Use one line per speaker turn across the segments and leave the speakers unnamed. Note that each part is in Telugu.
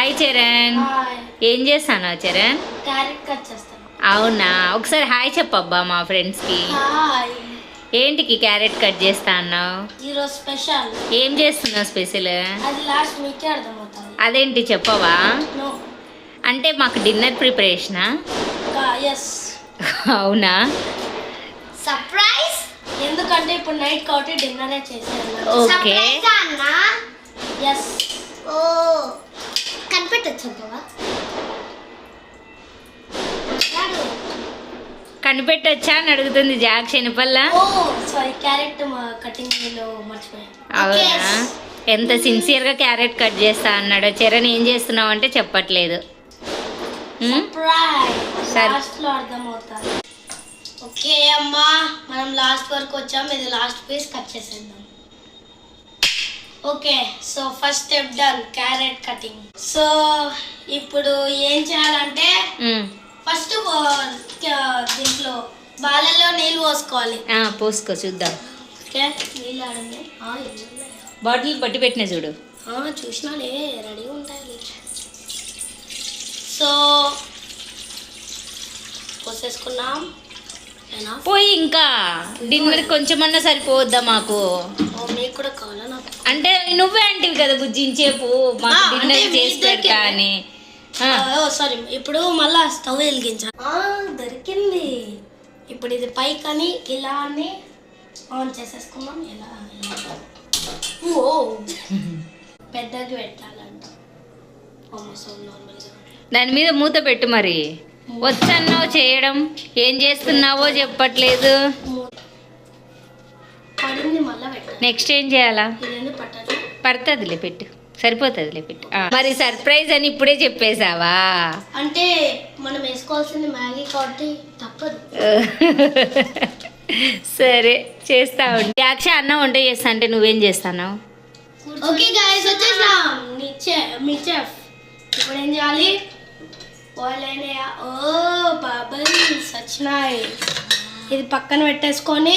హాయ్ చరణ్. ఏం చేస్తాను చరణ్?
క్యారెట్ కట్ చేస్తాను.
అవునా, ఒకసారి హాయ్ చెప్పబ్బా మా ఫ్రెండ్స్కి. ఏంటికి క్యారెట్ కట్ చేస్తా అన్నావు?
ఈరోజు స్పెషల్.
ఏం చేస్తున్నావు స్పెషల్?
అది లాస్ట్ మీకే అర్థమవుతుంది.
అదేంటి చెప్పవా?
నో.
అంటే మాకు డిన్నర్ ప్రిపరేషనా?
ఎస్.
అవునా,
సర్ప్రైజ్. ఎందుకంటే ఇప్పుడు నైట్ కాబట్టి డిన్నరే చేసేయాలి.
ఓకే.
ఎస్. ఓ కనిపెట్టచ్చు కదా.
కనిపెట్టొచ్చా అని అడుగుతుంది జాక్ శనిపల్ల.
ఓ సారీ, క్యారెట్ కటింగ్ లో మర్చిపోయాను.
అవునా, ఎంత సిన్సియర్గా క్యారెట్ కట్ చేస్తా అన్నాడు. చరణ్ ఏం చేస్తున్నావు అంటే చెప్పట్లేదు.
లాస్ట్ లో అర్థమవుతుంది. ఓకే అమ్మా, మనం లాస్ట్ వరకు వచ్చాం. ఇది లాస్ట్ పీస్ కట్ చేసేద్దాం. Okay, so first step done, carrot cutting. So ఇప్పుడు ఏం చేయాలంటే ఫస్ట్ దీంట్లో బాలలో నీళ్ళు పోసుకోవాలి.
పోసుకో చూద్దాం.
ఓకే, నీళ్ళు ఆడండి.
బాటిల్ పట్టి పెట్టిన చూడు.
చూసినాలే, రెడీగా ఉంటాయి. సో పోసేసుకున్నాం.
పోయి ఇంకా డిన్నర్ కొంచెమన్నా సరిపోద్దా మాకు?
మీకు కూడా కావాలా? నాకు
అంటే నువ్వే అంటివి కదా బుజ్జించేపు మాకు డిన్నర్ చేసి పెడతా అని.
సారీ, ఇప్పుడు మళ్ళా స్టవ్ వెలిగించాలి. దొరికింది. ఇప్పుడు ఇది పైకని ఇలా అని ఆన్ చేసేసుకున్నాం. ఇలా ఓ పెద్దగా పెట్టాలంట.
దాని మీద మూత పెట్టు. మరి వచ్చన్నావు చేయడం, ఏం చేస్తున్నావో చెప్పట్లేదు. నెక్స్ట్ ఏం చేయాలా? పడుతుందిలే, పెట్టు, సరిపోతుందిలే, పెట్టు. మరి సర్ప్రైజ్ అని ఇప్పుడే చెప్పేశావా?
అంటే మనం వేసుకోవాల్సింది మ్యాగీ కాబట్టి తప్పదు.
సరే చేస్తా ఉండి. యాక్ష అన్నం వంట చేస్తా అంటే నువ్వేం చేస్తావు?
ఓకే గైస్, వచ్చేసాం. మీ చెఫ్ ఇప్పుడు ఏం చేయాలి? ఓ బబుల్స్ వచ్చినాయి. ఇది పక్కన పెట్టేసుకొని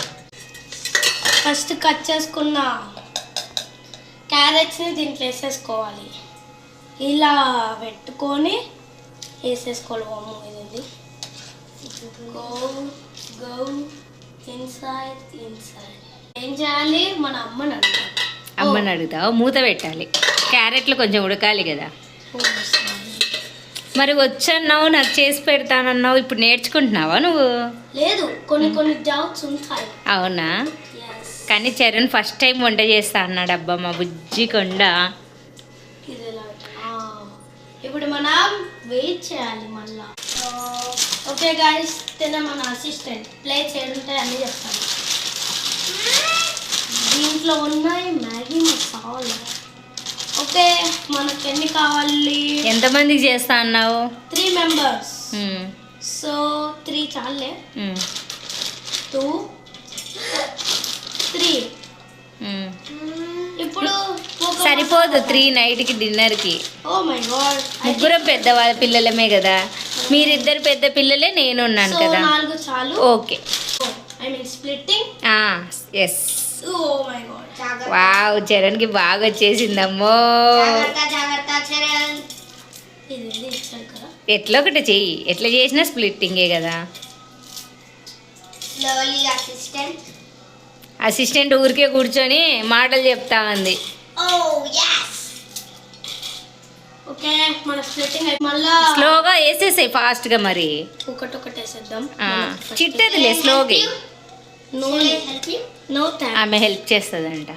ఫస్ట్ కట్ చేసుకున్న క్యారెట్స్ని దీంట్లో వేసేసుకోవాలి. ఇలా పెట్టుకొని వేసేసుకోవాలి. ఇది గో గో ఇన్సైడ్. ఏం చేయాలి? మన అమ్మని
అడుగుతావు. మూత పెట్టాలి, క్యారెట్లు కొంచెం ఉడకాలి కదా. మరి వచ్చన్నావు, నాకు చేసి పెడతానన్నావు, ఇప్పుడు నేర్చుకుంటున్నావా నువ్వు?
లేదు, కొన్ని డౌట్స్ ఉంటాయి.
అవునా, కానీ చరణ్ ఫస్ట్ టైం వంట చేస్తా అన్నాడు. అబ్బా మా బుజ్జి కొండ.
ఇప్పుడు మనం వెయిట్ చేయాలి మళ్ళా. ఓకే గైస్, మన అసిస్టెంట్ ప్లేట్స్ ఏడుంటాయి అన్నీ చెప్తాను. దీంట్లో ఉన్నాయి మ్యాగీ మసాలా. ఓకే, మనకు ఎన్ని కావాలి?
ఎంతమందికి చేస్తా అన్నావు?
3 మెంబర్స్. సో 3 చాలే. 2 3. ఇప్పుడు
సరిపోదు 3 నైట్కి డిన్నర్కి.
ఓ మై గాడ్,
ముగ్గురం పెద్దవాళ్ళ పిల్లలమే కదా. మీరిద్దరు పెద్ద పిల్లలే, నేను ఉన్నాను కదా.
4 చాలు.
Okay,
I mean splitting.
Yes.
Oh my god,
wow, చరణ్కి బాగా వచ్చేసిందమ్మో. ఎట్లా ఒకటి చెయ్యి, ఎట్లా చేసినా స్ప్లిట్టింగే కదా. అసిస్టెంట్ ఊరికే కూర్చొని మాటలు చెప్తా ఉంది. స్లోగా వేసేసాయి, ఫాస్ట్గా. మరి
ఒకటి వేసేద్దాం.
చిట్టదిలే, స్లోగా. ఆమె హెల్ప్ చేస్తుందంట.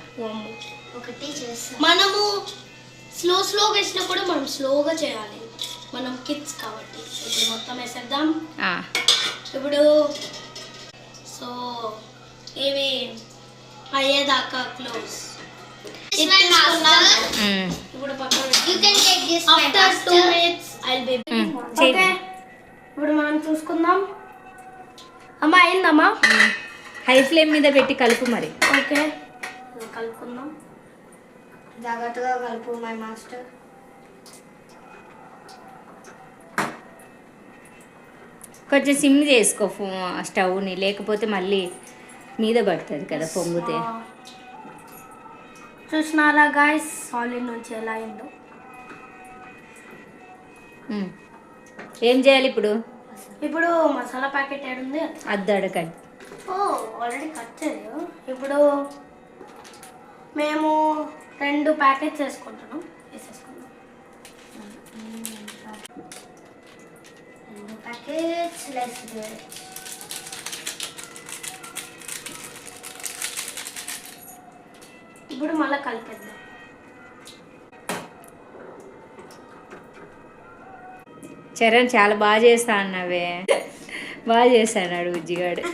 మనము స్లోగా వేసినా కూడా మనం స్లోగా చేయాలి. మనం కిడ్స్ కాబట్టి. ఇప్పుడు మొత్తం వేసేద్దాం. ఇప్పుడు సో ఇవి అయ్యేదాకా క్లోజ్. ఇప్పుడు after 2 minutes I'll be okay. ఇప్పుడు మనం చూసుకుందాం. అమ్మా అయిందమ్మా.
హై ఫ్లేమ్ మీద పెట్టి కలుపు మరి.
ఓకే, కలుపుకుందాం. జాగ్రత్తగా కలుపు మై మాస్టర్.
కొంచెం సిమ్ చేసుకో స్టవ్ని, లేకపోతే మళ్ళీ మీద పడుతుంది కదా పొంగితే.
చూసినారా గాయస్, సాలిడ్ నుంచి ఎలా అయిందో.
ఏం చేయాలి ఇప్పుడు?
ఇప్పుడు మసాలా ప్యాకెట్ ఏడుంది
అద్దు అడగండి.
ఓ ఆల్రెడీ కట్ చేయలేదు. ఇప్పుడు మేము 2 ప్యాకెట్స్ వేసుకుంటున్నాం. వేసేసుకుందాం 2 ప్యాకెట్స్. Let's do it. ఇప్పుడు మళ్ళీ కలిపేద్దాం.
చరణ్ చాలా బాగా చేస్తా అన్నావే. బాగా చేస్తాడు బుజ్జిగాడు.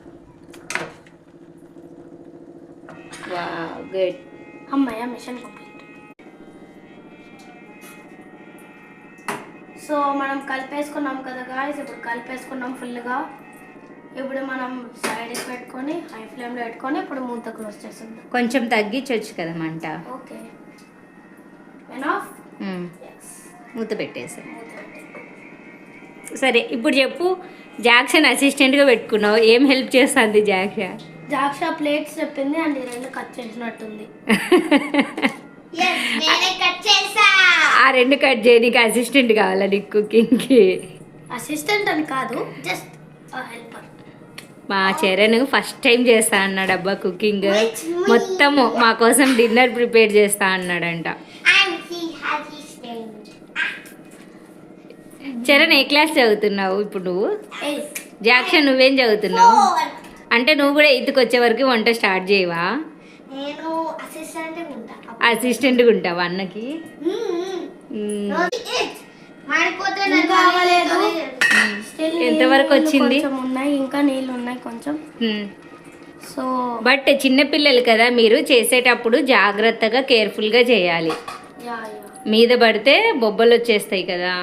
Wow good.
అమ్మయ్య మిషన్ కంప్లీట్. సో మనం కలిపేసుకున్నాం కదా గాయ్స్. ఇప్పుడు కలిపేసుకున్నాం ఫుల్గా. ఇప్పుడు మనం సైడ్కి పెట్టుకొని హై ఫ్లేమ్లో పెట్టుకొని ఇప్పుడు మూత క్లోజ్ చేసేద్దాం.
కొంచెం తగ్గించవచ్చు కదా మంట.
Okay enough.
మూత పెట్టేసాను. సరే ఇప్పుడు చెప్పు, జాక్షన్ అసిస్టెంట్గా పెట్టుకున్నావు, ఏం హెల్ప్ చేస్తుంది
జాక్ష ప్లేట్స్ చెప్పింది అండ్ 2 కట్ చేసినట్టుంది.
ఆ 2 కట్ చేయడానికి అసిస్టెంట్ కావాలా నీకు కుకింగ్కి?
అసిస్టెంట్ అని కాదు, జస్ట్ హెల్పర్.
మా చరణ్ ఫస్ట్ టైం చేస్తా అన్నాడు అబ్బా కుకింగ్. మొత్తము మా కోసం డిన్నర్ ప్రిపేర్ చేస్తా అన్నాడంట. చరణ్ ఏ క్లాస్ చదువుతున్నావు ఇప్పుడు నువ్వు? జాక్షన్ నువ్వేం చదువుతున్నావు? అంటే నువ్వు కూడా 8కి వచ్చే వరకు వంట స్టార్ట్ చేయవా?
నేను
అసిస్టెంట్గా ఉంటావా అన్నకి? ఎంతవరకు వచ్చింది?
ఉన్నాయి ఇంకా నీళ్ళు ఉన్నాయి కొంచెం. సో
బట్ చిన్నపిల్లలు కదా, మీరు చేసేటప్పుడు జాగ్రత్తగా కేర్ఫుల్గా చేయాలి. మీద పడితే బొబ్బలు వచ్చేస్తాయి కదా.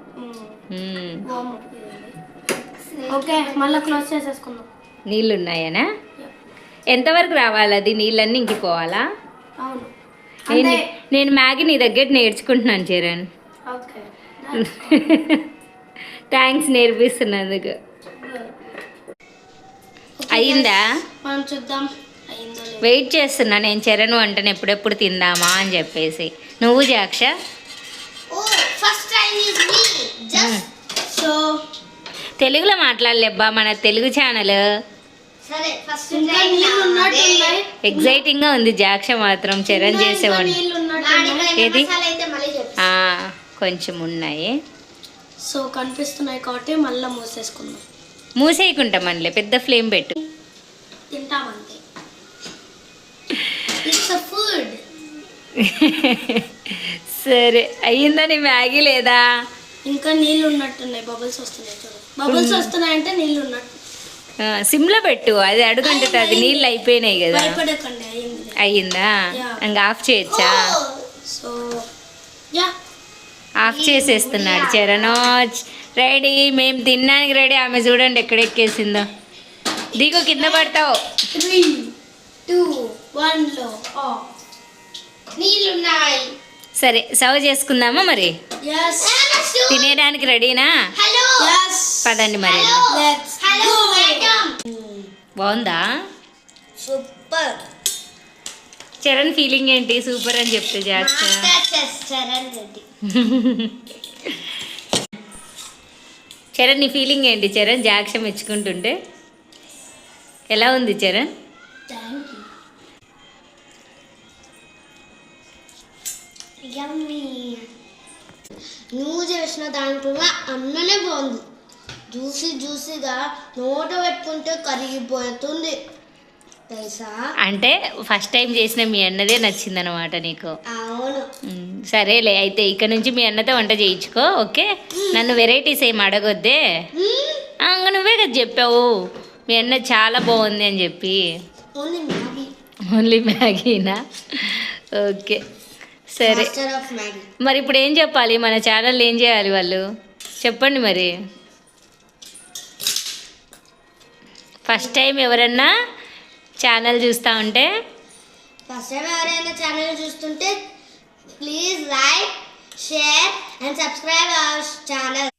ఓకే మళ్ళీ క్లోజ్ చేసేసుకుందాం.
నీళ్ళు ఉన్నాయనా? ఎంతవరకు రావాలి అది? నీళ్ళన్నీ ఇంకిపోవాలా?
అవును.
నేను మ్యాగీ నీ దగ్గర నేర్చుకుంటున్నాను చరణ్.
Okay
thanks నేర్పిస్తున్నందుకు. అయిందా?
మనం చూద్దాం.
వెయిట్ చేస్తున్నా నేను చరణ్ వంటను ఎప్పుడెప్పుడు తిందామా అని చెప్పేసి. నువ్వు జాక్ష?
సో
తెలుగులో మాట్లాడలేబ్బా, మన తెలుగు ఛానల్. ఎగ్జైటింగ్గా ఉంది జాక్ష మాత్రం చరణ్ చేసే వంట. ఏది? కొంచెం ఉన్నాయి.
సో కనిపిస్తున్నాయి కాబట్టి మళ్ళీ మూసేసుకుందాం.
మూసేయకుంటా మనలే, పెద్ద ఫ్లేమ్ పెట్టు.
తింటామంతే. It's a food.
సరే అయ్యిందా నీ మ్యాగీ లేదా?
ఇంకా నీళ్ళు ఉన్నట్టున్నాయి. బబుల్స్ వస్తున్నాయి చూడు. బబుల్స్ వస్తున్నాయంటే నీళ్ళు ఉన్నట్టు.
సిమ్లో పెట్టు, అది అడుగంటుంది. అది నీళ్ళు అయిపోయినాయి కదా.
భయపడకండి.
అయ్యిందా? ఇంకా ఆఫ్ చేయొచ్చా?
సో యా
ఆఫ్ చేసేస్తున్నాడు చరణోజ్. రెడీ, మేము తినడానికి రెడీ. ఆమె చూడండి ఎక్కడెక్కేసిందో. దిగు, కింద పడతావు.
3, 2, 1లో నీళ్ళున్నాయి.
సరే సర్వ్ చేసుకుందామా మరి? తినేయడానికి రెడీనా? పదండి మరి. బాగుందా?
సూపర్.
చరణ్ ఫీలింగ్ ఏంటి? సూపర్ అని చెప్తే చేస్తా. చరణ్ నీ ఫీలింగ్ ఏంటి? చరణ్ జాక్ష మెచ్చుకుంటుంటే ఎలా ఉంది చరణ్?
నువ్వు చేసిన దాంట్లో అన్ననే బాగుంది. జ్యూసీగా నోట పెట్టుకుంటే కరిగిపోతుంది తెలుసా.
అంటే ఫస్ట్ టైం చేసిన మీ అన్నదే నచ్చిందనమాట నీకు?
అవును.
సరేలే, అయితే ఇక నుంచి మీ అన్నతో వంట చేయించుకో. ఓకే, నన్ను వెరైటీస్ ఏమి అడగొద్దే. నువ్వే కదా చెప్పావు మీ అన్న చాలా బాగుంది అని చెప్పి. ఓన్లీ మ్యాగీనా? ఓకే సరే. మరి ఇప్పుడు ఏం చెప్పాలి? మన ఛానల్ ఏం చేయాలి వాళ్ళు చెప్పండి మరి. ఫస్ట్ టైం ఎవరన్నా ఛానల్ చూస్తూ ఉంటే
please like, share and subscribe our channel.